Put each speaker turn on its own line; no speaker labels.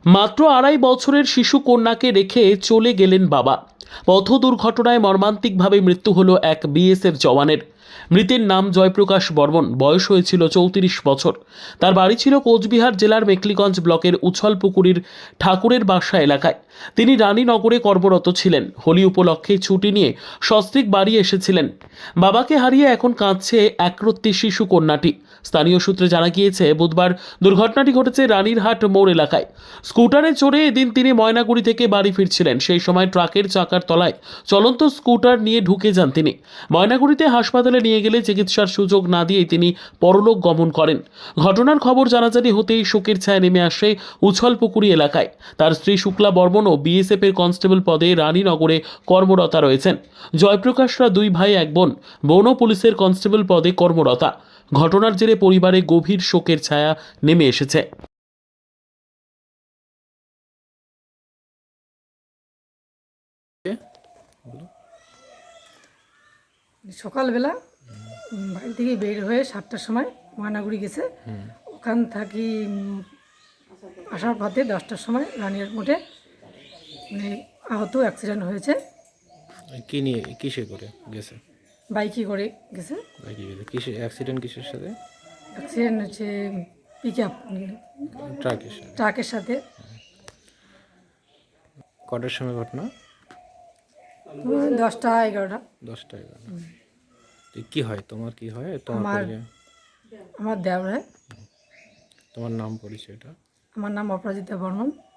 মাত্র ২.৫ বছরের শিশু কন্যাকে রেখে চলে গেলেন বাবা। পথ দুর্ঘটনায় মর্মান্তিকভাবে মৃত্যু হলো এক বিএসএফ জওয়ানের। মৃতের নাম জয়প্রকাশ বর্মন, বয়স হয়েছিল ৩৪ বছর। তার বাড়ি ছিল কোচবিহার জেলার মেখলিগঞ্জ ব্লকের উছলপুকুরির ঠাকুরের বাসা এলাকায়। তিনি রানীনগরে কর্মরত ছিলেন। হোলি উপলক্ষে ছুটি নিয়ে সস্ত্রীক বাড়ি এসেছিলেন। বাবাকে হারিয়ে এখন কাঁদছে একরত্তি শিশু কন্যাটি। স্থানীয় সূত্রে জানা গিয়েছে, বুধবার দুর্ঘটনাটি ঘটেছে রানীরহাট মোড় এলাকায়। স্কুটারে চড়ে এদিন তিনি ময়নাগুড়ি থেকে বাড়ি ফিরছিলেন। সেই সময় ট্রাকের চাকার তলায় চলন্ত স্কুটার নিয়ে ঢুকে যান তিনি। ময়নাগুড়িতে হাসপাতালে নিয়ে গেলে চিকিৎসার সুযোগ না দিয়েই তিনি পরলোক গমন করেন। ঘটনার খবর জানাজানি হতেই শোকের ছায়া নেমে আসে উছলপুকুরি এলাকায়। তার স্ত্রী শুক্লা বর্মনও বিএসএফ এর কনস্টেবল পদে রানীনগরে কর্মরতা রয়েছেন। জয়প্রকাশরা দুই ভাই এক বোন, বোনও পুলিশের কনস্টেবল পদে কর্মরতা। ঘটনার জেরে পরিবারে গভীর শোকের ছায়া নেমে এসেছে।
সকালবেলা বাড়ি থেকে বের হয়ে 7টার সময় ময়নাগুড়ি গেছে। ওখান থাকি আসার পথে 10টার সময় রানিয়ার মোড়ে মানে আহত অ্যাক্সিডেন্ট হয়েছে।
কি নিয়ে কিসে করে গেছে?
বাইকে করে গেছে।
বাইকে গেছে কিসে? অ্যাক্সিডেন্ট কিসের সাথে?
অ্যাক্সিডেন্ট হচ্ছে পিক আপ
ট্রাকের সাথে।
ট্রাকের সাথে।
কটার সময় ঘটনা?
10টা 11টা।
10টা 11টা। তো কি হয় তোমার, কি হয় তোমার
আমার-
পরিচয়?
আমার দেওর হয়।
তোমার নাম পরিচয়টা?
আমার নাম অপরাজিতা বর্মন।